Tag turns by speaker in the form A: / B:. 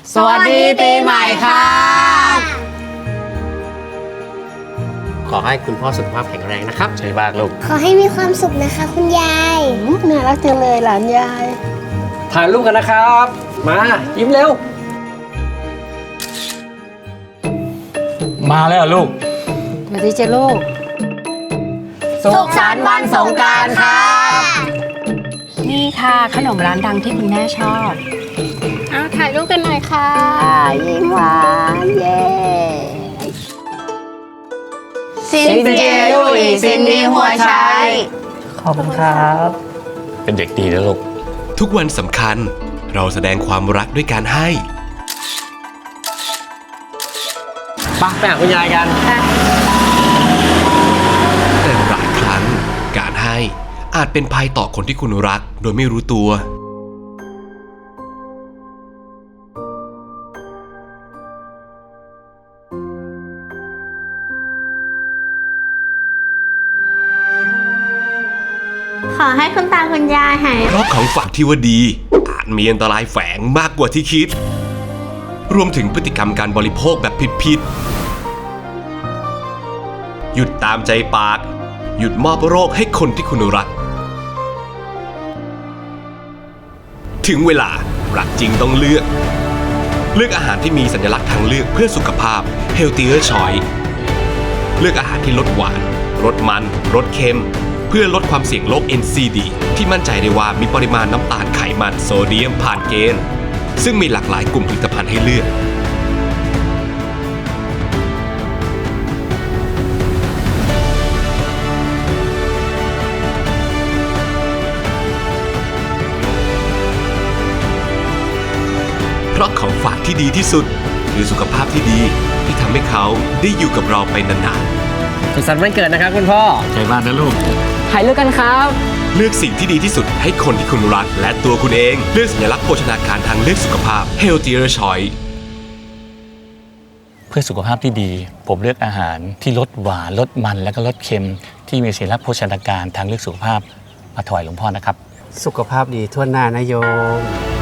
A: สวัสดีปีใหม่ค่ะขอให้คุณพ่อสุขภาพแข็งแรงนะครับใช่บ้างลูก
B: ขอให้มีความสุขนะคะคุณยาย
C: น่ารักจังเลยหลานยาย
A: ถ่ายรูปกันนะครับมายิ้มเร็ว
D: มาแล้วลูก
C: สวัสดีจ้ะลูก
A: สุขสันต์วันสงกรานต์ค่ะ
E: นี่ค่ะขนมร้านดังที่คุณแม่ชอบเอาถ่ายรูปกันหน่อยค่ะ
C: ยิ้มหวานเย้
A: ซินเจลุยซินนี่หัวชัย
C: ขอบคุณครับ
D: เป็นเด็กดีนะลูก
F: ทุกวันสำคัญเราแสดงความรักด้วยการให้
A: ไปหาคุณยายกัน
F: แต่หลายครั้งการให้อาจเป็นภัยต่อคนที่คุณรักโดยไม่รู้ตัว
B: ขอให้คุณตาคุณยายหาย
F: เพราะของฝากที่ว่าดีอาจมีอันตรายแฝงมากกว่าที่คิดรวมถึงพฤติกรรมการบริโภคแบบผิดๆหยุดตามใจปากหยุดมอบโรคให้คนที่คุณรักถึงเวลารักจริงต้องเลือกอาหารที่มีสัญลักษณ์ทางเลือกเพื่อสุขภาพ Healthier Choice เลือกอาหารที่ลดหวานลดมันลดเค็มเพื่อลดความเสี่ยงโรค NCD ที่มั่นใจได้ว่ามีปริมาณน้ำตาลไขมันโซเดียมผ่านเกณฑ์ซึ่งมีหลากหลายกลุ่มผลิตภัณฑ์ให้เลือกเพราะของฝากที่ดีที่สุดคือสุขภาพที่ดีที่ทำให้เขาได้อยู่กับเราไปนานๆ
A: สุขสันต์วันเกิดนะครับคุณพ่อ
D: ใจบ้านนะลูก
A: ถ่ายรูปกันครับ
F: เลือกสิ่งที่ดีที่สุดให้คนที่คุณรักและตัวคุณเองเลือกสัญลักษณ์โภชนาการทางเลือกสุขภาพ Healthier Choice
D: เพื่อสุขภาพที่ดีผมเลือกอาหารที่ลดหวานลดมันและก็ลดเค็มที่มีสัญลักษณ์โภชนาการทางเลือกสุขภาพมาถวายหลวงพ่อนะครับ
A: สุขภาพดีทั่วหน้านะโยม